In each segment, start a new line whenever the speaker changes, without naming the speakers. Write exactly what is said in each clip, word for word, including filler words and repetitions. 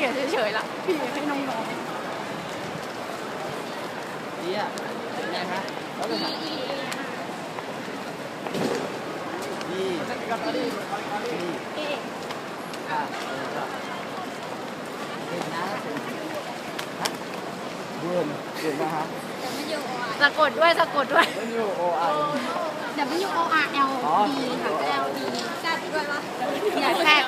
ยนเฉยๆละพี่ให้น้อง
ๆดีอ่ะเป็นไงคะแล้วเป็นไงดีดีดีค่ะเป็นนะฮะเดินเดินนะฮะ
สะกดด้วยสะกดด้วย
W O I
W O R L D ค่ะ L D แซ่บด้วยปะอย่าแซ่บ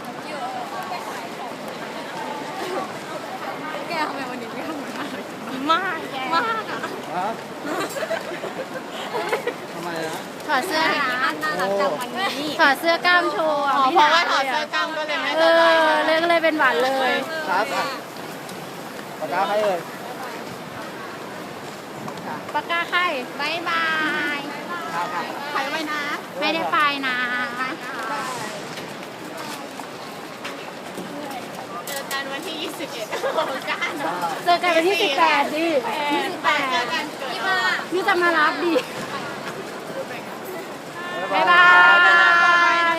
แกทำไมวันนี้ไม่ทำเหมือนมากมากแกมากอ่ะ
ฮะทำไมนะ
ถอดเสื้อนะน่ารักจังวันนี้ถอดเสื้อกล้ามโชว์เพราะว่าถอดเสื้อกล้ามก็เลยไม่เออเลยก็เลยเป็นหวานเลย
ครับอ่ะปากกาใครเอ่ย
ปากกาใครบายบาย
ครับครับ
ไปไว้นะ ไม่ได้ไปนะเจอกันวันที่ยี่สิบเอ็ดกันเจอกันวันที่สิบแปดดิยี่สิบแปดพี่จะมารับดิบายบาย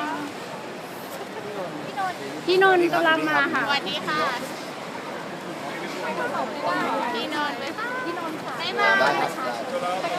พี่นนท์กำลังมาค่ะสวัสดีค่ะพี่นนท์ไหมคะพี่นนท์ค่ะบ๊ายบาย